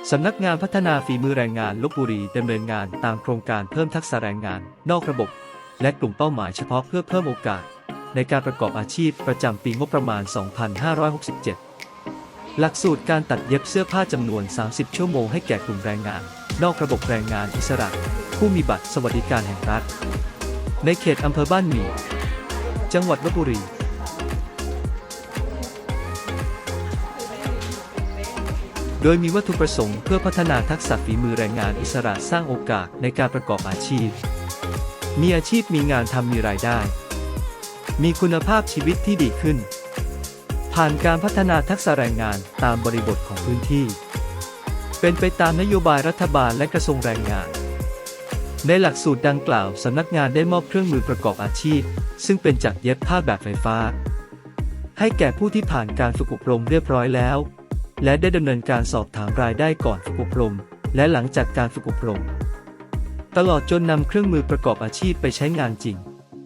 สำนักงานพัฒนาฝีมือแรงงานลพบุรีดำเนินงานตามโครงการเพิ่มทักษะแรงงานนอกระบบและกลุ่มเป้าหมายเฉพาะเพื่อเพิ่มโอกาสในการประกอบอาชีพประจำปีงบประมาณ 2567 หลักสูตรการตัดเย็บเสื้อผ้าจำนวน 30 ชั่วโมงให้แก่กลุ่มแรงงานนอกระบบแรงงานอิสระผู้มีบัตรสวัสดิการแห่งรัฐในเขตอำเภอบ้านหมี่จังหวัดลพบุรีโดยมีวัตถุประสงค์เพื่อพัฒนาทักษะฝีมือแรงงานอิสระสร้างโอกาสในการประกอบอาชีพมีอาชีพมีงานทำมีรายได้มีคุณภาพชีวิตที่ดีขึ้นผ่านการพัฒนาทักษะแรงงานตามบริบทของพื้นที่เป็นไปตามนโยบายรัฐบาลและกระทรวงแรงงานในหลักสูตรดังกล่าวสำนักงานได้มอบเครื่องมือประกอบอาชีพซึ่งเป็นจักรเย็บผ้าแบบไฟฟ้าให้แก่ผู้ที่ผ่านการฝึกอบรมเรียบร้อยแล้วและได้ดำเนินการสอบถามรายได้ก่อนฝึกอบรมและหลังจากการฝึกอบรมตลอดจนนำเครื่องมือประกอบอาชีพไปใช้งานจริง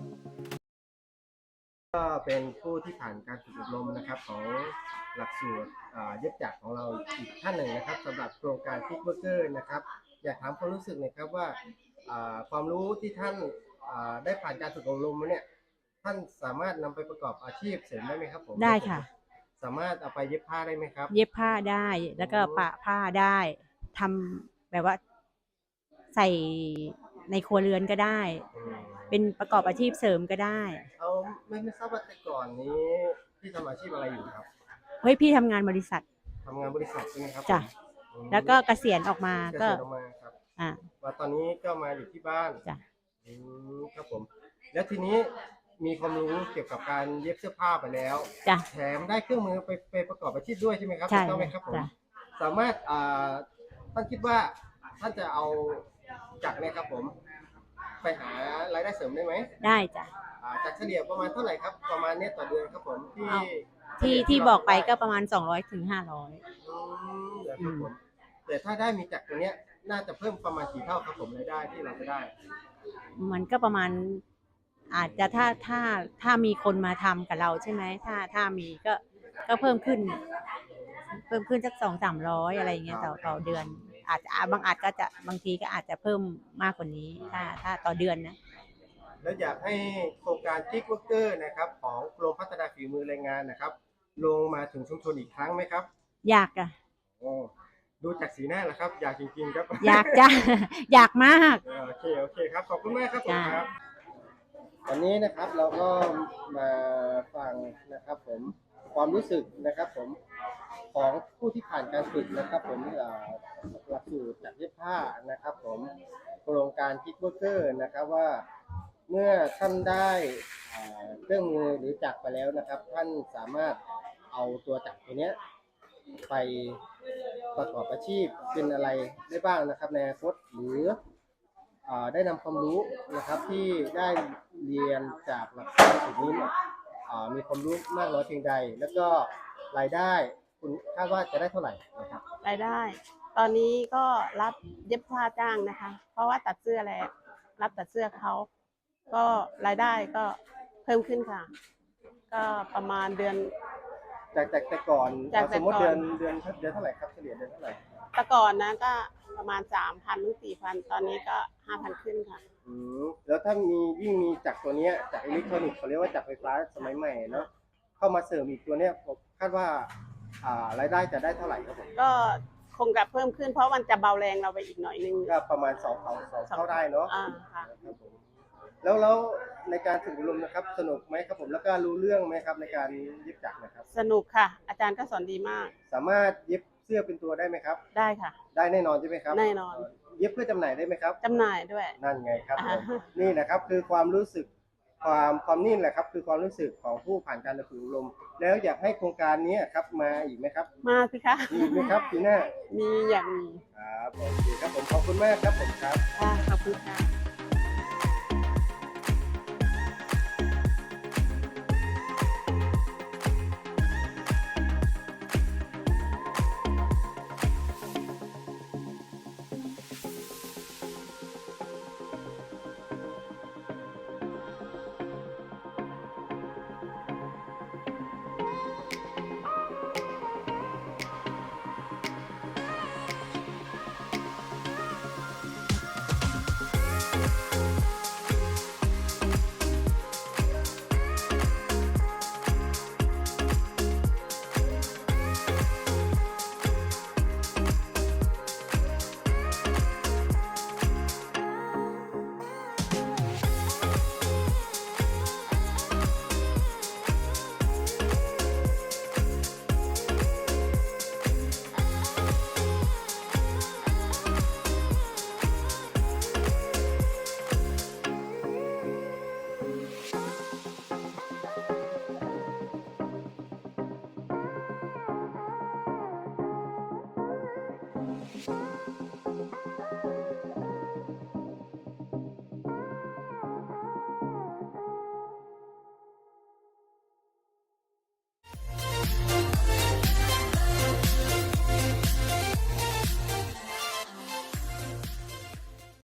ก็เป็นผู้ที่ผ่านการฝึกอบรมนะครับของหลักสูตรเย็บจักรของเราอีกท่านหนึ่งนะครับสำหรับโครงการคิกเวอร์เกอร์นะครับอยากถามความรู้สึกหน่อยครับว่าความรู้ที่ท่านได้ผ่านการฝึกอบรมมาเนี่ยท่านสามารถนำไปประกอบอาชีพเสริมได้ไหมครับผมได้ค่ะสามารถเอาไปเย็บผ้าได้ไหมครับเย็บผ้าได้แล้วก็ปะผ้าได้ทำแบบว่าใส่ในครัวเรือนก็ได้เป็นประกอบอาชีพเสริมก็ได้เอาไม่ทราบว่าแต่ก่อนนี้พี่ทำอาชีพอะไรอยู่ครับเฮ้ยพี่ทำงานบริษัททำงานบริษัทใช่ไหมครับจ้ะแล้วก็เกษียณออกมาก็ครับอ่าว่าตอนนี้ก็มาอยู่ที่บ้านจ้ะครับผมแล้วทีนี้มีความรู้เกี่ยวกับการเย็บเสื้อผ้าไปแล้วจ้ะแถมได้เครื่องมือไปประกอบอาชีพด้วยใช่ไหมครับใช่ถูกต้องไหมครับผมสามารถท่านคิดว่าท่านจะเอาจักรเนี่ยครับผมไปหารายได้เสริมได้ไหมได้จ้ะจากเฉลี่ยประมาณเท่าไหร่ครับประมาณนี้ต่อเดือนครับผมที่บอกไปก็ประมาณ200 ถึง 500 ครับผมแต่ถ้าได้มีจักรตัวเนี้ยน่าจะเพิ่มประมาณกี่เท่าครับผมรายได้ที่เราจะได้มันก็ประมาณอาจจะถ้ามีคนมาทำกับเราใช่ไหมถ้ามีก็เพิ่มขึ้นสัก200-300อะไรอย่างเงี้ยต่อเดือนอาจจะบางทีก็อาจจะเพิ่มมากกว่านี้ถ้าต่อเดือนนะแล้วอยากให้โครงการคิกเวอร์เกอร์นะครับของกรมพัฒนาฝีมือแรงงานนะครับลงมาถึงชุมชนอีกครั้งไหมครับอยากอะดูจากสีหน้าแล้วครับอยากจริงๆครับอยากจ้ะอยากมากโอเคครับขอบคุณมากครับผมครับวันนี้นะครับเราก็มาฟังนะครับผมความรู้สึกนะครับผมของผู้ที่ผ่านการฝึกนะครับผมหลักสูตรจักรเย็บผ้านะครับผมโครงการคิกเวอร์เกอร์นะครับว่าเมื่อท่านได้เครื่องมือหรือจักรไปแล้วนะครับท่านสามารถเอาตัวจักรตัวนี้ไปประกอบอาชีพเป็นอะไรได้บ้างนะครับในอนาคตหรือได้นำความรู้นะครับที่ได้เรียนจากหลักสูตรนี้เนี่ยมีความรู้มากน้อยเพียงใดแล้วก็รายได้คุณคาดว่าจะได้เท่าไหร่นะครับรายได้ตอนนี้ก็รับเย็บผ้าจ้างนะคะเพราะว่าตัดเสื้อแล้วรับตัดเสื้อเขาก็รายได้ก็เพิ่มขึ้นค่ะก็ประมาณเดือนจากแต่ก่อนสมมติเดือนเท่าไหร่ครับเฉลี่ยเดือนเท่าไหร่แต่ก่อนนะก็ประมาณ 3,000 ถึง 4,000 ตอนนี้ก็ 5,000 ขึ้นค่ะแล้วถ้ายิ่งมีจักรตัวนี้จักรอิเล็กทรอนิกส์เขาเรียกว่าจักรไฟฟ้าสมัยใหม่เนาะเข้ามาเสริมอีกตัวเนี้ยผมคาดว่ารายได้จะได้เท่าไหร่ครับผมก็คงจะเพิ่มขึ้นเพราะมันจะเบาแรงเราไปอีกหน่อยนึงก็ประมาณ2 เท่าได้เนาะค่ะครับผมแล้วในการฝึกอบรมนะครับสนุกไหมครับผมแล้วก็รู้เรื่องไหมครับในการเย็บจักรนะครับสนุกค่ะอาจารย์ก็สอนดีมากสามารถเย็บเสื้อเป็นตัวได้ไหมครับได้ค่ะได้แน่นอนใช่ไหมครับแน่นอนเย็บเพื่อจำหน่ายได้ไหมครับจำหน่ายด้วยนั่นไงครับนี่นะครับคือความรู้สึกความนิ่งแหละครับคือความรู้สึกของผู้ผ่านการฝึกอบรมแล้วอยากให้โครงการนี้ครับมาอีกไหมครับมาสิคะมีไหมครับปีหน้ามีอย่างมีครับโอเคครับผมขอบคุณมากครับผมครับขอบคุณค่ะ